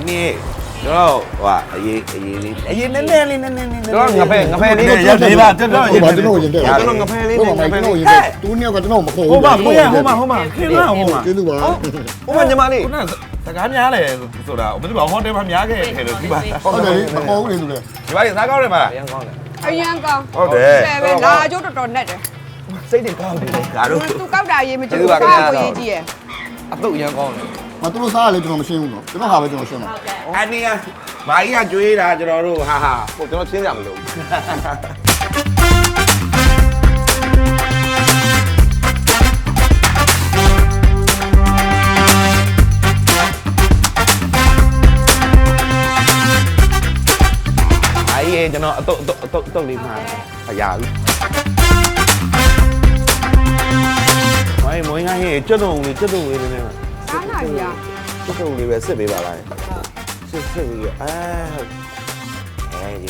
아니 저 와, 이 네네네네네. 저 ngập đi. 야, 대박. 저 ဟုတ်ပါကျွန်တော်ရင်တဲ့ 야, 저는 ngập đi. ဟုတ်ပါကျွန်တော်ရင်တဲ့သူနှစ်ယောက်ကကျွန်တော်မခေါ်ဘူး 호마, 뭐야, 호마. 큰일 나, 호마. ကျေးဇူးပါ Ủa mà mà đi. 오늘 잠깐 냐래 소다. 어디 봐, 호텔 밤 야게 해로 디바. ဟုတ်တယ်လေမခေါ်ဘူးလေသူလေ 디바이 사가오래 마. Đang con này. အရန်ကောင်းဟုတ်တယ်ပဲလာကျိုးတော်တော်နဲ့တယ် Xây điện con đi. 나도 သူကောက်တာရေးမကြည့်ကျေးဇူးဘူးပါကောခင်ဗျာက်ကိုရေးကြည့်ရယ် À tự đang con này. မသူတို့စားရလေကျွန်တော်မရှင်းဘူးနော်ကျွန်တော်ဟာပဲကျွန်တော်ရှင်းတာ 아니야. 마이가 쪼이라 저러로 하하. Ủa cho nó chiến giảm được. 아예 저너 또 리마. 야. 아이 뭐야 해. 저도 우리 이러네. စားနိုင်ရ 저도 우리 왜 쓰베 봐라. 쓰 이게 아. 에이.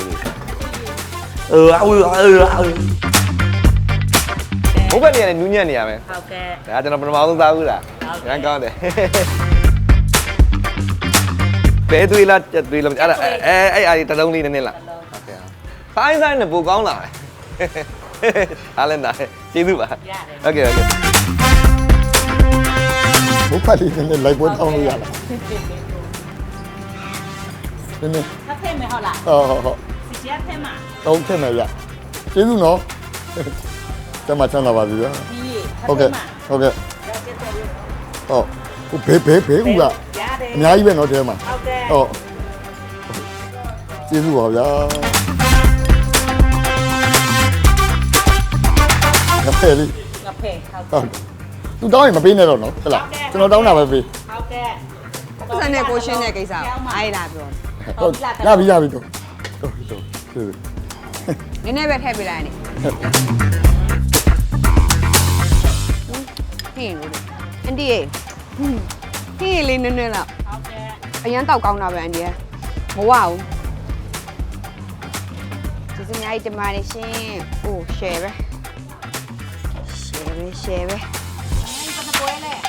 Bố bên này là nhu nhân này mày. Ok. Đã cho nó bên máu tao cứ là. Đang con này. Bé tùy là ai ta đông đi nên là. Ok. Phải sai là bố con lại. À lên này. Chị giúp bà. Ok ok. ဘုခါလေးနဲ့လိုက်ပွဲတောင်းလို့ရလားနည်းနည်း Thấp thêm mày họ là ဟုတ် xì chết thêm mà. တောင်းထည့်မယ်ရကျေးဇူးနော်ကျမချမ်းသာပါပြီဗျာ Đi. ဟုတ် Thấp ကဲ့ thêm mà. ဟုတ်ကဲ့ Ra chết tôi luôn. ဟုတ်ဘေးဦးက Giá đi. အများကြီးပဲနော်တဲမှာ Ok. ဟုတ်ကျေးဇူးပါဗျာငါဖယ်လေး Ngập hề. ဟုတ်သူတောင်းရင်မပေးနဲ့တော့နော်ဟုတ်လားကျွန်တော်တောင်းတာပဲပေး Ok. ပတ်စံနဲ့ကိုရှင်းတဲ့ကိစ္စကိုအားလာပြောဟုတ်ရပြီတော့ဟုတ်ကျေးဇူးနည်းနည်းပဲထည့်ပေးလိုက်နေဟင်းလို့အန်တီရေဟင်းလေးနည်းနည်းလောက် Ok. အရန်တောက်ကောင်းတာပဲအန်တီရမဝဘူးကျေးဇူးများကြီးတင်ပါတယ်ရှင်အိုး share ပဲ share ပဲ Ai con nó quên này.